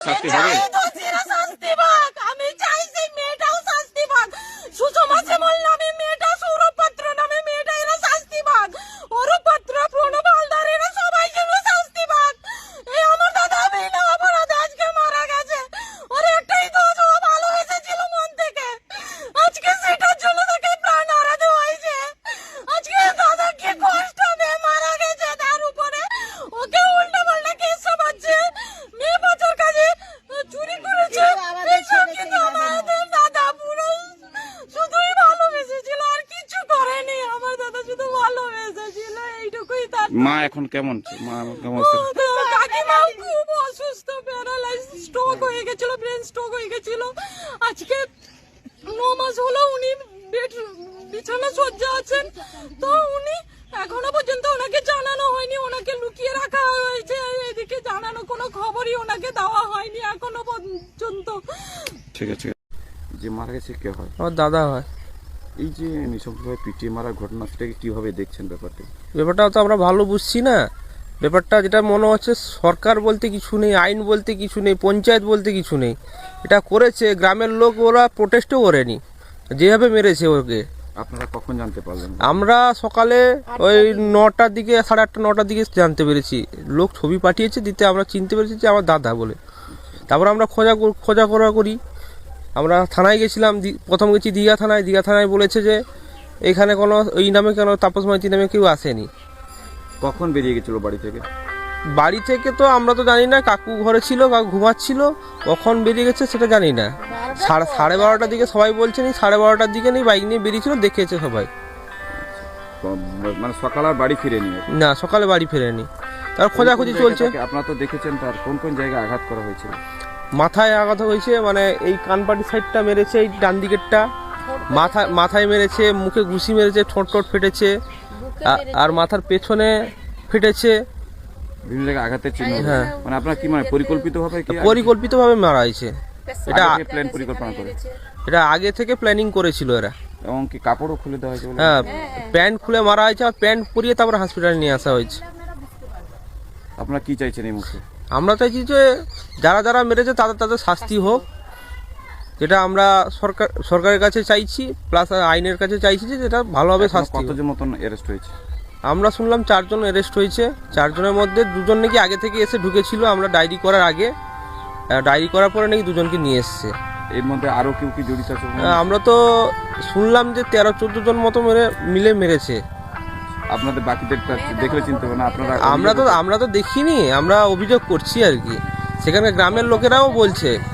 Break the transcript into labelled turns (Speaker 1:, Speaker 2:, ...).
Speaker 1: শাস্তি হবে।
Speaker 2: শাস্তি পাক, আমি চাই সেই মেয়েটাও শাস্তি পাক। সুষমা শ্যামল নামে মেয়েটা, সৌরভ পাত্র নামে মেয়েটা, এরা শাস্তি পাক। অরূপ পাত্র, প্রণব হালদার, এরা সবাই যেন শাস্তি পাক। এই আমার দাদা বিনা অপরাধে আজকে মারা গেছে। ওর একটাই দোষ, ও ভালোবেসেছিল মন থেকে। আজকে সেটার জন্য তাকে প্রাণ হারাতে হয়েছে। আজকে দাদা কি কষ্ট পেয়ে মারা গেছে, তার উপরে ওকে উল্টা পাল্টা কেস চাপাচ্ছে। মেয়ে বাচ্চার কাছে চুরি করেছে। এসব কিন্তু আমাদের দাদা পুরো শুধুই ভালোবেসেছিল, আর কিছু করেনি। আমার দাদা শুধু ভালোবেসেছিল, এইটুকুই তার।
Speaker 1: মা এখন কেমন? মা কেমন আছে?
Speaker 2: কাকিমাও খুব অসুস্থ, প্যারালাইজ, স্ট্রোক হয়ে গেছিল, ব্রেন স্ট্রোক হয়ে গেছিল। আজকে 9 মাস হলো উনি বিছানা সজ্জা আছেন। তো উনি এখনো পর্যন্ত ওনাকে জানানো হয়নি, ওনাকে লুকিয়ে রাখা হয়েছে। এদিকে জানানো কোনো খবরই ওনাকে দেওয়া হয়নি এখনো পর্যন্ত।
Speaker 1: ঠিক আছে। যে মারা গেছে কে হয়?
Speaker 3: আমার দাদা হয়।
Speaker 1: এই যে নৃশংসভাবে পিটিয়ে মারার ঘটনা, সেটাকে কিভাবে দেখছেন ব্যাপারটা?
Speaker 3: ব্যাপারটা তো আমরা ভালো বুঝছি না। ব্যাপারটা যেটা মনে হচ্ছে, সরকার বলতে কিছু নেই, আইন বলতে কিছু নেই, পঞ্চায়েত বলতে কিছু নেই। এটা করেছে গ্রামের লোক, ওরা প্রোটেস্টও করেনি, যেভাবে মেরেছে ওকে।
Speaker 1: আপনারা কখন জানতে পারলেন?
Speaker 3: আমরা সকালে ওই 9টার দিকে, 8:30 9টার দিকে জানতে পেরেছি। লোক ছবি পাঠিয়েছে দিতে, আমরা চিনতে পেরেছি যে আমার দাদা বলে। তারপর আমরা খোঁজা করি। আমরা থানায় গেছিলাম, প্রথম গেছি দীঘা থানায়। দীঘা থানায় বলেছে যে এখানে কোনো ওই নামে কেন তাপস মাইতি নামে কেউ আসেনি।
Speaker 1: কখন বেরিয়ে গেছিল বাড়ি থেকে?
Speaker 3: বাড়ি থেকে তো আমরা তো জানি না, কাকু ঘরে ছিল, কাকু ঘুমাচ্ছিল, কখন বেরিয়ে গেছে সেটা জানি না। 12:30টার দিকে সবাই বলছে, 12:30টার দিকে নেই, বাইক নিয়ে বেরিয়েছিল, দেখেছে সবাই।
Speaker 1: মানে সকাল আর বাড়ি ফিরেনি?
Speaker 3: না, সকালে বাড়ি ফেরেনি। তার খোঁজাখুঁজি চলছে।
Speaker 1: আপনারা তো দেখেছেন, তার কোন কোন জায়গায় আঘাত করা হয়েছিল?
Speaker 3: মাথায় আঘাত হয়েছে, মানে এই কানপাটি সাইডটা মেরেছে, এই ডান দিকেরটা মাথায় মেরেছে, মুখে ঘুষি মেরেছে, ঠোঁট ফেটেছে, আর মাথার পেছনে ফেটেছে।
Speaker 1: বিভিন্ন জায়গায় আঘাতের চিহ্ন।
Speaker 3: হ্যাঁ।
Speaker 1: মানে আপনার কি মানে
Speaker 3: পরিকল্পিতভাবে মারা হয়েছে। এটা
Speaker 1: প্ল্যান পরিকল্পনা করে?
Speaker 3: এটা আগে থেকে প্ল্যানিং করেছিল এরা।
Speaker 1: এবং কি কাপড়ও খুলে দেওয়া হয়েছে?
Speaker 3: হ্যাঁ, প্যান্ট খুলে মারা হয়েছে, আর প্যান্ট পরিয়ে তারপর হসপিটালে নিয়ে আসা হয়েছে।
Speaker 1: আপনারা কি চাইছেন এই মুহূর্তে?
Speaker 3: আমরা চাইছি যে যারা মেরেছে তাদের শাস্তি হোক, যেটা আমরা সরকারের কাছে চাইছি, প্লাস আইনের কাছে চাইছি যে যেটা ভালোভাবে শাস্তি।
Speaker 1: কতজন মতন অ্যারেস্ট হয়েছে?
Speaker 3: আমরা শুনলাম 4 জন অ্যারেস্ট হয়েছে। 4 জনের মধ্যে 2 জন নাকি আগে থেকে এসে ঢুকেছিল, আমরা ডায়েরি করার আগে। ডায়েরি করার পরে নাকি 2 জনকে নিয়ে এসছে।
Speaker 1: এর মধ্যে আরো কেউ কি জড়িত আছে?
Speaker 3: আমরা তো শুনলাম যে 13-14 জন মতো মিলে মেরেছে।
Speaker 1: আপনাদের বাকিদের দেখলে চিনতে হবে না আপনারা?
Speaker 3: আমরা তো দেখিনি, আমরা অভিযোগ করছি আর কি। সেখানে গ্রামের লোকেরাও বলছে